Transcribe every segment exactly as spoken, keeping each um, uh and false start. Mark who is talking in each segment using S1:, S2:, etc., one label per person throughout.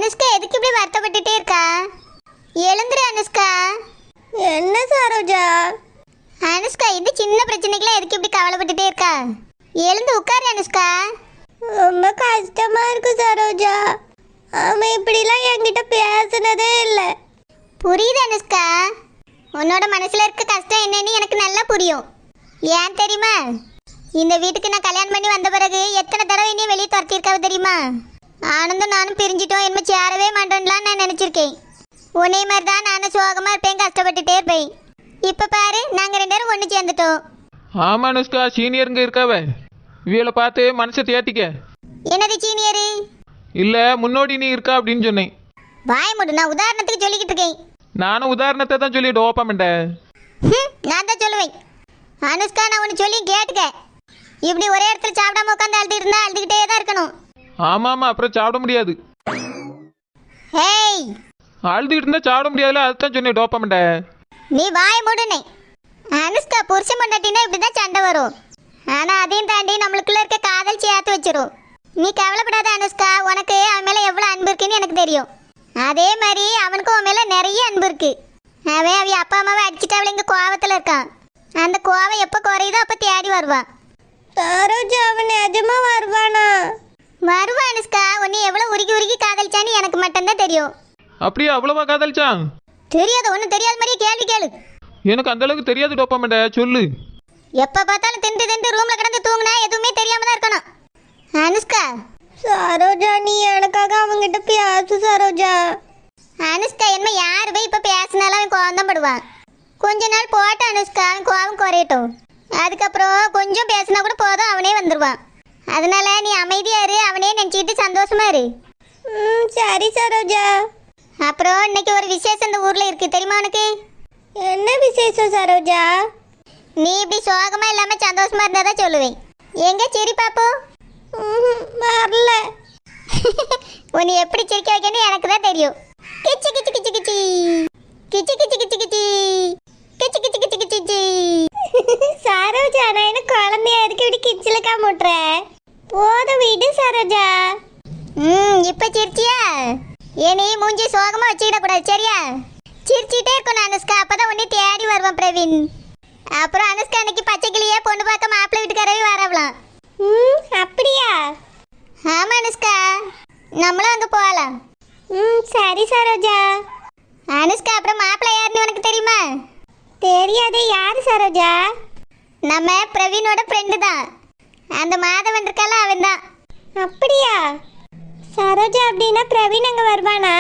S1: அனுஷ்கா எதுக்கு இப்படி வருத்தப்பட்டுட்டே இருக்கா? எழுந்துரு அனுஷ்கா.
S2: என்ன சரோஜா?
S1: அனுஷ்கா இந்த சின்ன பிரச்சனைக்குலாம் எதுக்கு இப்படி கவலைப்பட்டுட்டே இருக்கா? எழுந்து உட்காரு அனுஷ்கா.
S2: ரொம்ப கஷ்டமா இருக்கு சரோஜா. அவன் இப்படிலாம் என்கிட்ட பேசுனதே இல்லை.
S1: புரியுது அனுஷ்கா, உன்னோட மனசுல இருக்க கஷ்டம் என்னன்னு எனக்கு நல்லா புரியும். ஏன் தெரியுமா, இந்த வீட்டுக்கு நான் கல்யாணம் பண்ணி வந்த பிறகு எத்தனை தடவை என்னையும் வெளியே துரத்திருக்காவ தெரியுமா? ஆனந்தும் நானும் பிரிஞ்சிட்டோம், என்ன சேரவே மாட்டோம்லாம் நான் நினச்சிருக்கேன். உன்னை மாதிரி தான் நானும் சோகமாக இருப்பேன், கஷ்டப்பட்டுட்டே இருப்பேன். இப்போ பாரு, நாங்கள் ரெண்டு பேரும் ஒன்று சேர்ந்துட்டோம்.
S3: ஆமா அனுஷ்கா, சீனியருங்க இருக்காவ, இவளை பார்த்து மனசை தேத்திக்க.
S1: என்னது சீனியரு?
S3: இல்லை, முன்னோடி நீ இருக்கா அப்படின்னு சொன்னேன்.
S1: வாய் மூடு, நான் உதாரணத்துக்கு சொல்லிக்கிட்டு இருக்கேன்.
S3: நானும் உதாரணத்தை தான் சொல்லிட்டு ஓப்பமெண்டேன்.
S1: நான் தான் சொல்லுவேன். அனுஷ்கா, நான் ஒன்று சொல்லி கேட்டுக்க. இப்படி ஒரே இடத்துல சாப்பிடாம உட்காந்து அழுதுகிட்டு இருந்தா அழுதுகிட்டே தான் இருக்கணும்.
S3: ஆமாம் ஆமாம், அப்புறம் சாப்பிட முடியாது.
S1: ஹேய்,
S3: அழுதுகிட்டு இருந்தால் சாப்பிட முடியாதுல்ல, அதுதான் சொன்னேன் டோப்பமெண்டேன்.
S1: நீ வாய் மூடுனே. அனுஷ்கா, புருஷன் பொண்டாட்டினா இப்படி தான் சண்டை வரும். ஆனால் அதையும் தாண்டி நம்மளுக்குள்ள இருக்க காதல் சேர்த்து வச்சிரும். நீ கவலைப்படாத அனுஷ்கா, உனக்கு அவன் மேலே எவ்வளோ அன்பு இருக்குன்னு எனக்கு தெரியும். அதே மாதிரி அவனுக்கும் அவன் மேலே நிறைய அன்பு இருக்கு. அவன் அவ அப்பா அம்மாவை அடிச்சுட்டு அவளை இங்கே கோவத்தில் இருக்கான். அந்த கோவம் எப்போ குறையுதோ அப்போ தேடி வருவான்.
S2: சரோஜா, அவன் நிஜமா வருவானா?
S1: வருவான் அனுஷ்கா. உன்னை எவ்வளோ உருகி உருகி காதலிச்சான்னு எனக்கு மட்டும்தான் தெரியும்.
S3: அப்படியே அவ்வளோவா காதலிச்சான்?
S1: தெரியாது, ஒன்றும் தெரியாத மாதிரியே கேள்வி கேளு.
S3: எனக்கு அந்த அளவுக்கு தெரியாது டோப்பமெண்டே, சொல்லு.
S1: எப்போ பார்த்தாலும் திண்டு திண்டு ரூமில் கிடந்து தூங்குனா எதுவுமே தெரியாம தான் இருக்கணும். அனுஷ்கா.
S2: சரோஜா, நீ எனக்காக அவங்கிட்ட பேசு சரோஜா.
S1: அனுஷ்கா, என்ன யார் போய் இப்போ பேசினாலும் அவன் கோவம் தான் படுவான். கொஞ்ச நாள் போட்ட அனுஷ்கா, அவன் கோவம் குறையட்டும். அதுக்கப்புறம் கொஞ்சம் பேசினா கூட போதும், அவனே வந்துடுவான். அதனால நீ அமைதியா இரு, அவனே நினச்சிக்கிட்டு சந்தோஷமா இரு.
S2: ம் சரி சரோஜா.
S1: அப்புறம் இன்னைக்கு ஒரு விசேஷம் இந்த ஊரில் இருக்கு, தெரியுமா உனக்கு?
S2: என்ன விசேஷம் சரோஜா?
S1: நீ இப்படி சோகமா இல்லாமல் சந்தோஷமா இருந்தா தான் சொல்லுவேன். எங்க சரி பாப்போம்.
S2: வரல.
S1: உன்னை எப்படி சிரிக்க வைக்கணும் எனக்கு தான் தெரியும். கிச்சு கிச்சு கிச்சு கிச்சி கிச்சு கிச்சு கிச்சு கிச்சி கிச்சு கிச்சு கிச்சு கிச்சி.
S2: சரோஜா, நான் என்ன குழந்தையா இருக்கு இப்படி கிச்சிலக்கா முட்டுறேன்? போதும் விடு சரோஜா.
S1: ம் இப்போ சிரிச்சியா? ஏனி மூஞ்சி சோகமா வச்சுக்கிடக்கூடாது, சரியா? சிரிச்சிட்டே இருக்கணும் அனுஷ்கா, அப்பதான் உன்னை தேடி வருவான் பிரவீன். அப்புறம் அனுஷ்கா அன்னைக்கு பச்சை கிளியே பொண்ணு பார்க்க மாப்பிள்ளை வீட்டுக்காரவே வரவலாம்.
S2: ம் அப்படியா?
S1: ஆமா அனுஷ்கா, நம்மளும் அங்கே போகலாம்.
S2: ம் சரி சரோஜா.
S1: அனுஷ்கா, அப்புறம் மாப்பிள்ளை யாருன்னு உனக்கு தெரியுமா?
S2: தெரியாதே, யாரு சரோஜா?
S1: நம்ம பிரவீனோட ஃப்ரெண்டு தான். அந்த மாதவன் இருக்கால, அவன் தான்.
S2: அப்படியா? சரோஜா, அப்படின்னா பிரவீன் அங்கே வருவானா?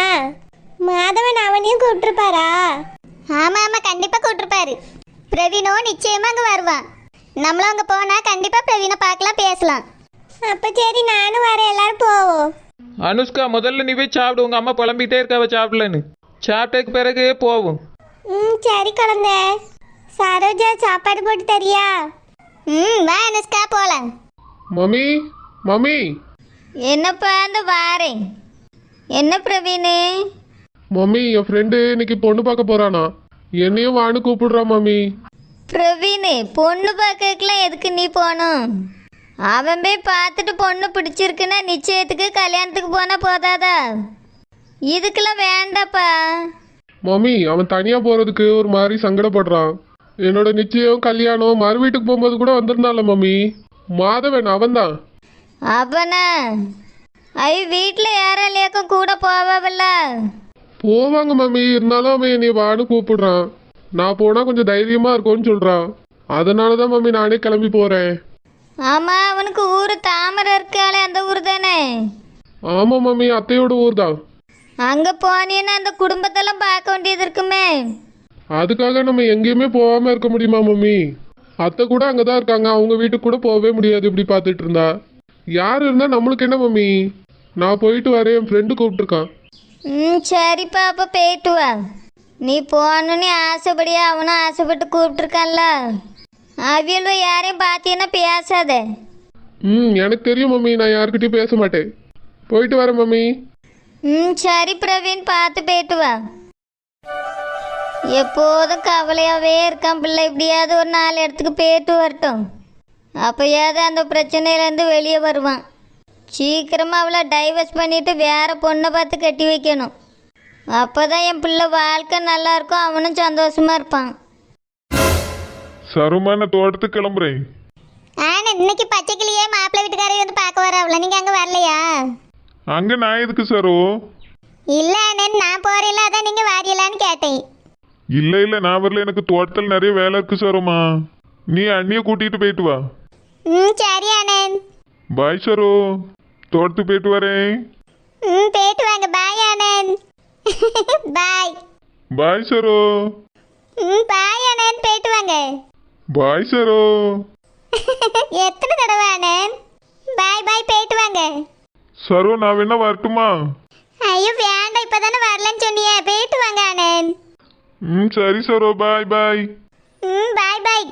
S2: மாதவன் அவனையும் கூப்பிட்டுருப்பாரா?
S1: ஆமாம் ஆமாம், கண்டிப்பாக கூப்பிட்டுருப்பாரு. பிரவீனோ நிச்சயமாக அங்கே வருவான். நம்மளும் அங்கே போனால் கண்டிப்பாக பிரவீனை பார்க்கலாம், பேசலாம்.
S2: அப்போ சரி, நானும் வரேன், எல்லாரும் போவோம்.
S3: அனுஷ்கா, முதல்ல நீ போய் சாப்பிடு, உங்கள் அம்மா புலம்பிகிட்டே இருக்காவ சாப்பிடலன்னு. சாப்பிட்டதுக்கு பிறகு போவோம்.
S2: ம் சரி குழந்தை. சரோஜா, சாப்பாடு போட்டு தரியா?
S1: ம் வா அனுஷ்கா, போகலாம்.
S3: Mummy mummy.
S1: என்னப்பா அந்த வாரேன். என்ன பிரவீனு?
S4: மம்மி, என் ஃப்ரெண்டு இன்னைக்கு பொண்ணு பார்க்க போறானா, என்னையும் வான்னு கூப்பிடுறான் மம்மி.
S1: பிரவீனு, பொண்ணு பார்க்கறதுக்குலாம் எதுக்கு நீ போகணும்? அவன் போய் பார்த்துட்டு பொண்ணு பிடிச்சிருக்குன்னா நிச்சயத்துக்கு கல்யாணத்துக்கு போனால் போதாதா? இதுக்கெல்லாம் வேண்டாப்பா.
S4: மம்மி, அவன் தனியா போறதுக்கு ஒரு மாதிரி சங்கடப்படுறான். என்னோட நிச்சயம் கல்யாணம் மறு வீட்டுக்கு போகும்போது கூட வந்திருந்தால மம்மி, மாதவன் அவன்தான்.
S1: அவனா? ஐ வீட்டில் யாராலையாக்கும் கூட போவாவில்ல?
S4: போவாங்க மம்மி, இருந்தாலும் அவன் என்னை வான்னு கூப்பிடுறான். நான் போனா கொஞ்சம் தைரியமா இருக்கும்னு சொல்றான். அதனாலதான் மம்மி நானே கிளம்பி போறேன்.
S1: ஆமாம், அவனுக்கு ஊர் தாமரை இருக்காளே, அந்த ஊர் தானே?
S4: ஆமா மம்மி, அத்தையோட ஊர் தான்.
S1: அங்கே போனீன்னா அந்த குடும்பத்தெல்லாம் பார்க்க வேண்டியது இருக்குமே.
S4: அதுக்காக நம்ம எங்கேயுமே போகாம இருக்க முடியுமா மம்மி? அத்தை கூட அங்கதான் இருக்காங்க, அவங்க வீட்டுக்கு கூட போகவே முடியாது இப்படி பார்த்துட்டு இருந்தா. யார் இருந்தா நம்மளுக்கு என்ன மம்மி? நான் போயிட்டு வரேன், என் ஃப்ரெண்டு கூப்பிட்டுருக்கான்.
S1: ம் சரிப்பா, அப்போ போயிட்டு வா. நீ போகணுன்னு ஆசைப்படியா? அவனும் ஆசைப்பட்டு கூப்பிட்டுருக்கான்ல. அவியலும் யாரையும் பார்த்தீங்கன்னா பேசாத.
S4: ம் எனக்கு தெரியும் மம்மி, நான் யாருக்கிட்டையும் பேச மாட்டேன். போயிட்டு வரேன் மம்மி.
S1: ம் சரி பிரவீன், பார்த்து போயிட்டு வா. எப்போதும் கவலையாகவே இருக்கான் பிள்ளை. இப்படியாவது ஒரு நாலு இடத்துக்கு போயிட்டு வரட்டும், அப்போயாவது அந்த பிரச்சனையிலேருந்து வெளியே வருவான்.
S2: சீக்கிரமாக அவளை டைவர்ஸ் பண்ணிட்டு வேற பொண்ணை பார்த்து கட்டி வைக்கணும். அப்போ தான் என் பிள்ளை வாழ்க்கை நல்லா இருக்கும், அவனும் சந்தோஷமா இருப்பான்.
S4: சருமா நான் தோட்டத்துக்கு கிளம்புறேன்.
S1: ஆனா இன்னைக்கு பச்சைக்கிளியே மாப்பிள்ளை வீட்டுக்காரர் வந்து பார்க்க வரவள, நீங்க அங்க வரலையா?
S4: அங்க நான் எதுக்கு சரு?
S1: இல்ல அண்ணன், நான் போறேன்ல, அதான் நீங்க வாரியலான்னு கேட்டேன்.
S4: இல்ல இல்ல நான் வரல, எனக்கு தோட்டத்தில் நிறைய வேலை இருக்கு சருமா. நீ அண்ணிய கூட்டிட்டு போயிட்டு வா.
S1: ம் சரி அண்ணன்.
S4: பாய் சரு, தோட்டத்துக்கு போயிட்டு வரேன்.
S1: ம் போயிட்டு வாங்க. பாய் அண்ணன். பாய்.
S4: பாய் சரு.
S1: ம் பாய் அண்ணன், போயிட்டு வாங்க.
S4: பாய் சரு.
S1: எத்தனை தடவை அண்ணன்? பாய் பாய், போயிட்டு வாங்க.
S4: சரு நான் வேணா வரட்டுமா?
S1: ஐயோ வேண்டாம், இப்பதானே வரலன்னு சொன்னியே, போயிட்டு வாங்க அண்ணன்.
S4: ம் சரி சரு, பாய் பாய்.
S1: ம் பாய் பாய்.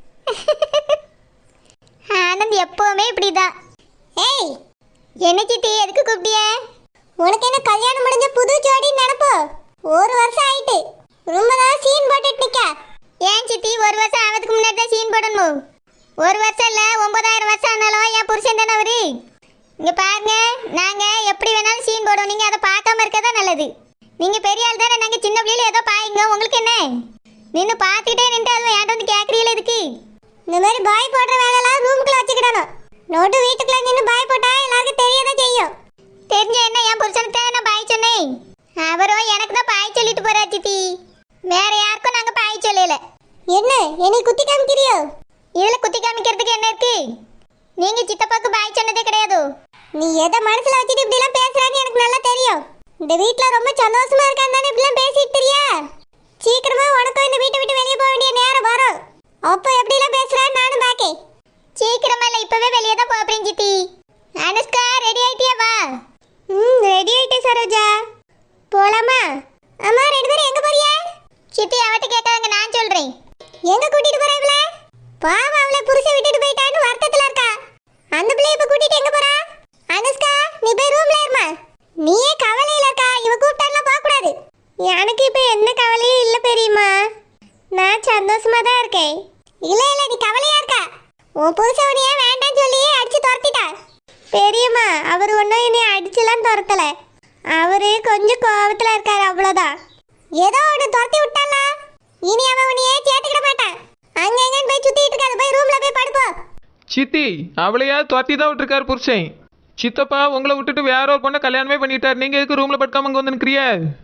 S1: ஆனந்த் எப்பவுமே இப்படிதான். ஏய் என்ன சித்தி, எதுக்கு கூப்பிட்டிய? உனக்கு என்ன கல்யாணம் முடிஞ்ச புது ஜோடி நினைப்போ? ஒரு வருஷம் ஆயிட்டு, ரொம்ப தான் சீன் போட்டுட்டு நிக்க. ஏன் சித்தி, ஒரு வருஷம் ஆவதுக்கு முன்னாடி தான் சீன் போடணும்? ஒரு வருஷம் இல்ல, ஒன்பதாயிரம் வருஷம் ஆனாலும் என் புருஷன் தானே அவரு. இங்க பாருங்க, நாங்க எப்படி வேணாலும் சீன் போடுவோம், நீங்க அதை பார்க்காம இருக்கதா நல்லது. நீங்க பெரிய ஆள் தானே, நாங்க சின்ன பிள்ளையில ஏதோ பாயுங்க, உங்களுக்கு என்ன? நின்று பார்த்துக்கிட்டே நின்று அதுவும் ஏன்ட்டு வந்து கேட்குறீங்களே எதுக்கு? இந்த மாதிரி பாய் போடுற வேலையெல்லாம் ரூமுக்குள்ள வச்சுக்கிடணும். நோட்டு வீட்டுக்குள்ள நின்று பாய் போட்டா எல்லாருக்கும் தெரியதான் செய்யும். தெரிஞ்ச என்ன, என் புருஷனுக்கு தான் நான் பாய் சொன்னேன். அவரும் எனக்கு தான் பாய் சொல்லிட்டு போறா சித்தி, வேற யாருக்கும் நாங்க பாய் சொல்லல. என்ன என்னை குத்தி காமிக்கிறியோ? இதுல குத்தி காமிக்கிறதுக்கு என்ன இருக்கு? நீங்க சித்தப்பாக்கு பாய் சொன்னதே கிடையாது. நீ எதை மனசுல வச்சுட்டு இப்படி எல்லாம் பேசுறான்னு எனக்கு நல்லா தெரியும். இந்த வீட்ல ரொம்ப சந்தோஷமா இருக்கான்னு தானே இப்படி எல்லாம் பேசிட்டு தெரியா? சீக்கிரமா உனக்கும் இந்த வீட்டை விட்டு வெளியே போக வேண்டிய நேரம் வரும். அப்போ எப்படி எல்லாம் பேசுறான்னு நானும் பாக்கேன். சீக்கிரமா இல்ல, இப்பவே வெளியே தான் போறேன் சித்தி. அனுஷ்கா ரெடி ஆயிட்டியா? வா. ம் ரெடி ஆயிட்டே சரோஜா. போலாமா? அம்மா ரெண்டு பேரும் எங்க போறியா? சித்தி அவட்ட கேட்காதங்க, நான் சொல்றேன். எங்க கூட்டிட்டு போற இவள? பாவம், அவளை புருஷன் விட்டுட்டு போயிட்டான்னு வருத்தத்துல இருக்கா. அந்த பிள்ளைய இப்ப கூட்டிட்டு எங்க போறா? அனுஷ்கா நீ போய் ரூம்ல இருமா. நீயே கவலையில இருக்கா, இவ கூப்பிட்டாலாம் போக கூடாது. எனக்கு இப்ப என்ன கவலையும் இல்ல பெரியம்மா, நான் சந்தோஷமா தான் இருக்கேன். இல்ல இல்ல நீ கவலையா இருக்கா. உன் புருஷன் உன்னைய வேண்டாம்னு சொல்லி அடிச்சு துரத்திட்டா. பெரியம்மா அவர் ஒன்றும் என்னை அடிச்சுலாம் துரத்தல, அவரு கொஞ்சம் கோபத்துல இருக்காரு, அவ்வளோதான். ஏதோ ஒன்று துரத்தி விட்டாளா, இனி அவன் உன்னையே சேர்த்துக்கிட மாட்டான். அங்க எங்கன்னு போய் சுத்திட்டு இருக்காது, போய் ரூம்ல போய் படுப்போம்.
S3: சித்தி அவளையா துரத்தி தான் விட்டுருக்காரு புருஷன். சித்தப்பா உங்களை விட்டுட்டு வேற ஒரு பொண்ணை கல்யாணமே பண்ணிட்டார், நீங்க எதுக்கு ரூம்ல படுக்காம இங்க வந்து நிற்கிறிய?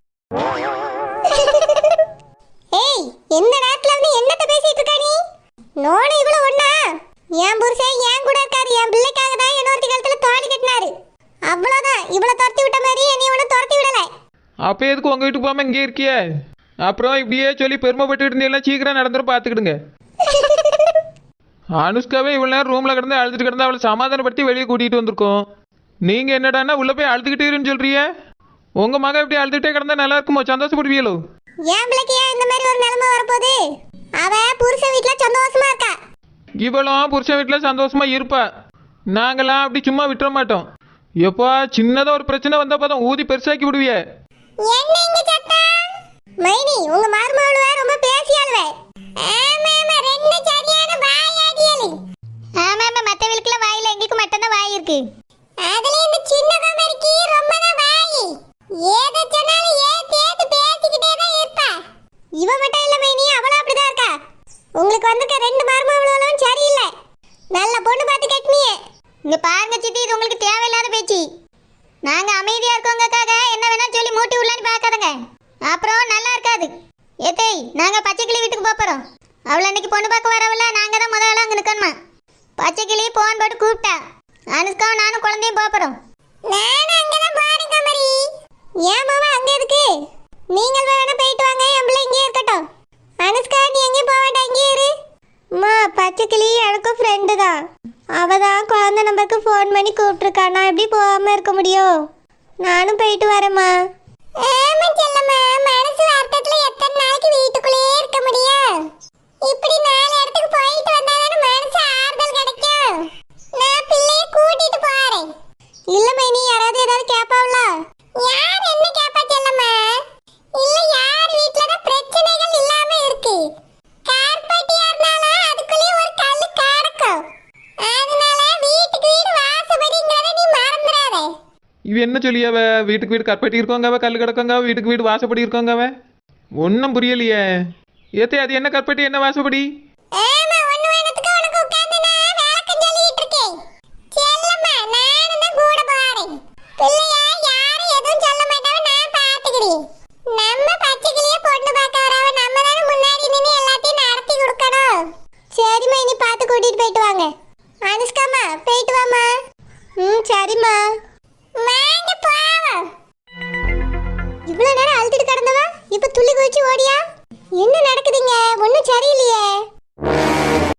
S1: ஏய் எந்த நேரத்துல வந்து என்னத்த பேசிட்டு இருக்க நீ? நோனே இவ்வளவு ஒண்ணா? என் புருஷன் என் கூட இருக்காரு, என் பிள்ளைக்காக தான் இன்னொருத்தி காலத்துல தாலி கட்டினாரு, அவ்வளவுதான். இவ்வளவு துரத்தி விட்ட மாதிரி நீ ஒன்னும் துரத்தி விடல.
S3: அப்போ எதுக்கு உங்க வீட்டுக்கு போகாம இங்கே இருக்கிய? அப்புறம் இப்படியே சொல்லி பெருமைப்பட்டு இருந்தீங்கன்னா சீக்கிரம் நடந்துரும், பார்த்துக்கிடுங்க. அனுஷ்காவே இவ்வளோ நேரம் ரூமில் கிடந்து அழுதுட்டு கிடந்து அவளை சமாதானப்படுத்தி வெளியே கூட்டிகிட்டு வந்திருக்கோம். நீங்கள் என்னடான்னா உள்ளே போய் அழுதுகிட்டே சொல்றிய? உங்கள் மகன் இப்படி அழுதுகிட்டே கிடந்தா நல்லா இருக்குமோ? சந்தோஷப்படுவீங்களோ?
S1: என் பிள்ளைக்கு ஏன் இந்த மாதிரி ஒரு நிலைமை வரப்போகுது? அவ புருஷன் வீட்டுல சந்தோஷமா இருக்கா.
S3: இவளும் புருஷன் வீட்டில் சந்தோஷமா இருப்பா, நாங்களாம் அப்படி சும்மா விட்டுற மாட்டோம். எப்போ சின்னதாக ஒரு பிரச்சனை வந்தால் போதும் ஊதி பெருசாக்கி விடுவிய.
S1: என்ன இங்க சத்தம்? மைனி உங்க மருமகளுவ ரொம்ப பேசியாளுவே. ஆமாமா ரெண்டு சரியான வாயாடியலு. ஆமாமா மத்தவங்களுக்குல வாயில எங்களுக்கு மட்டும் தான் வாய் இருக்கு. அதுல இந்த சின்ன கமரிக்கு ரொம்ப தான் வாய். ஏத சொன்னாலும் ஏத்து ஏத்து பேசிக்கிட்டே தான் இருப்பா. இவ மட்டும் இல்ல மைனி, அவளும் அப்படிதான் இருக்கா. உங்களுக்கு வந்திருக்க ரெண்டு மருமகளும் சரியில்லை, நல்ல பொண்ணு பார்த்து கட்டினியே. இங்க பாருங்க சித்தி, இது உங்களுக்கு தேவையில்லாத பேச்சு. நாங்க அமைதியா இருக்கோங்கக்காக என்ன வேணா சொல்லி மூட்டி உள்ளான்னு பார்க்காதங்க, அப்புறம் நல்லா இருக்காது. ஏத்தை நாங்க பச்சைக்கிளி வீட்டுக்கு போறோம். அவளை அன்னைக்கு பொண்ணு பார்க்க வரவில்ல, நாங்க தான் முதல்ல அங்க நிக்கணுமா. பச்சைக்கிளி போன் போட்டு கூப்பிட்டா, அனுஷ்காவும் நானும் குழந்தையும் போறோம். நானும் அங்கதான் போறேன் கமரி. ஏன் மாமா அங்க இருக்கு? நீங்கள் வேணா போயிட்டு வாங்க, என் பிள்ளை இங்கே இருக்கட்டும். அனுஷ்கா நீ எங்கேயும் போக வேண்டாம், இங்கே இரு. அம்மா பச்சைக்கிளி எனக்கும் ஃப்ரெண்டு தான், அவ தான் குழந்தை நம்பருக்கு ஃபோன் பண்ணி கூப்பிட்டுருக்கா, நான் எப்படி போகாம இருக்க முடியும்? நானும் போயிட்டு வரேம்மா. ஆமா செல்லம்மா, மனசு வருத்தத்துல எத்தனை நாளைக்கு வீட்டுக்குள்ளேயே இருக்க முடியும்? இப்படி நாலு இடத்துக்கு போயிட்டு வந்தாதானே மனசு ஆறுதல் கிடைக்கும். நான் பிள்ளைய கூட்டிட்டு போறேன். இல்ல மைனி, யாராவது ஏதாவது கேட்பாவல? யார் என்ன கேட்பா செல்லம்மா? இல்ல யார் வீட்ல தான் பிரச்சனைகள் இல்லாம இருக்கு? கார்பெட்டியா இருந்தாலும் அதுக்குள்ளே ஒரு கல்லு கிடக்கும். அதனால வீட்டுக்கு வீடு வாசப்படிங்கறத நீ மறந்துட
S3: இவ என்ன சொல்லியாவ? வீட்டுக்கு வீடு கற்பட்டி இருக்கோங்கவ, கல் கிடக்கோங்க, வீட்டுக்கு வீடு வாசப்படி இருக்கோங்கவ. ஒன்றும் புரியலையே. ஏத்தே அது என்ன கற்பட்டி என்ன வாசப்படி?
S1: ஆமா ஒண்ணு வேணத்துக்கு உனக்கு உட்கார்ந்து நான் விளக்கம் சொல்லிட்டு இருக்கேன். செல்லம்மா நானும் தான் கூட போறேன். பிள்ளையா யாரும் எதுவும் சொல்ல மாட்டாவ, நான் பாத்துக்கிறேன். நம்ம பச்சைக்கிளியே பொண்ணு பார்க்க வரவ, நம்ம தானே முன்னாடி நின்று எல்லாத்தையும் நடத்தி கொடுக்கணும். சரிம்மா இனி பார்த்து கூட்டிட்டு போயிட்டு வாங்க. அனுஷ்காமா போயிட்டு வாமா. ம் சரிம்மா. வாங்க போவோம். இவ்வளவு நேரம் அழுத்திட்டு கிடந்தவா இப்ப துள்ளி குதிச்சு ஓடியா? என்ன நடக்குதுங்க? ஒன்றும் சரியில்லையே.